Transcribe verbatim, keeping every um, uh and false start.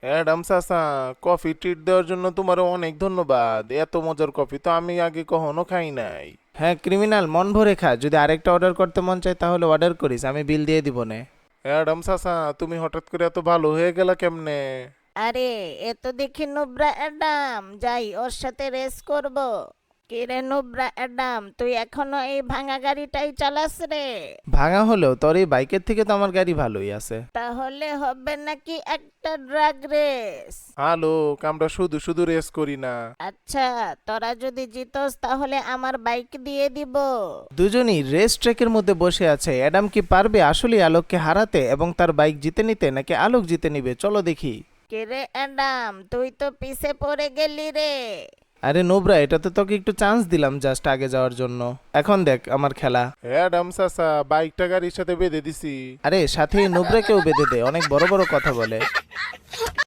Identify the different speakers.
Speaker 1: Adam চাচা, coffee treat দেওয়ার জন্য তোমার অনেক ধন্যবাদ। এত মজার কফি তো আমি আগে কখনো খাই নাই।
Speaker 2: হ্যাঁ ক্রিমিনাল, মন ভরে খা। যদি আরেকটা অর্ডার করতে মন চায় তাহলে অর্ডার করিস, আমি বিল দিয়ে দিব নে।
Speaker 1: অ্যাডাম চাচা, তুমি হঠাৎ করে এত ভালো হয়ে গেলা কেমনে?
Speaker 3: আরে এ তো দেখি নুব্রা অ্যাডাম, যাই ওর সাথে রেস করব। কিরে নুব্রা অ্যাডাম, তুই এখনো এই ভাঙা গাড়িটাই চালাস রে?
Speaker 2: ভাঙা হলেও তোর এই বাইকের থেকে তো আমার গাড়ি ভালোই আছে।
Speaker 3: তাহলে হবে নাকি একটা ড্রাগ রেস?
Speaker 1: হ্যালো, আমরা শুধু শুধু রেস করি না।
Speaker 3: আচ্ছা, তোরা যদি জিতস তাহলে আমার বাইক দিয়ে দিব।
Speaker 2: দুজনই রেস ট্র্যাকের মধ্যে বসে আছে। অ্যাডাম কি পারবে আসলে আলোককে হারাতে এবং তার বাইক জিতে নিতে, নাকি আলোক জিতে নিবে? চলো দেখি।
Speaker 3: কিরে অ্যাডাম, তুই তো পিছে পড়ে গেলি রে।
Speaker 2: আরে নোবরা, এটা তো তোকে একটু চান্স দিলাম জাস্ট আগে যাওয়ার জন্য। এখন দেখ আমার খেলা।
Speaker 1: অ্যাডাম চাচা, বাইকটা গাড়ির সাথে বেঁধে দিছি।
Speaker 2: আরে সাথে নোবরাকেও বেঁধে দে, অনেক বড় বড় কথা বলে।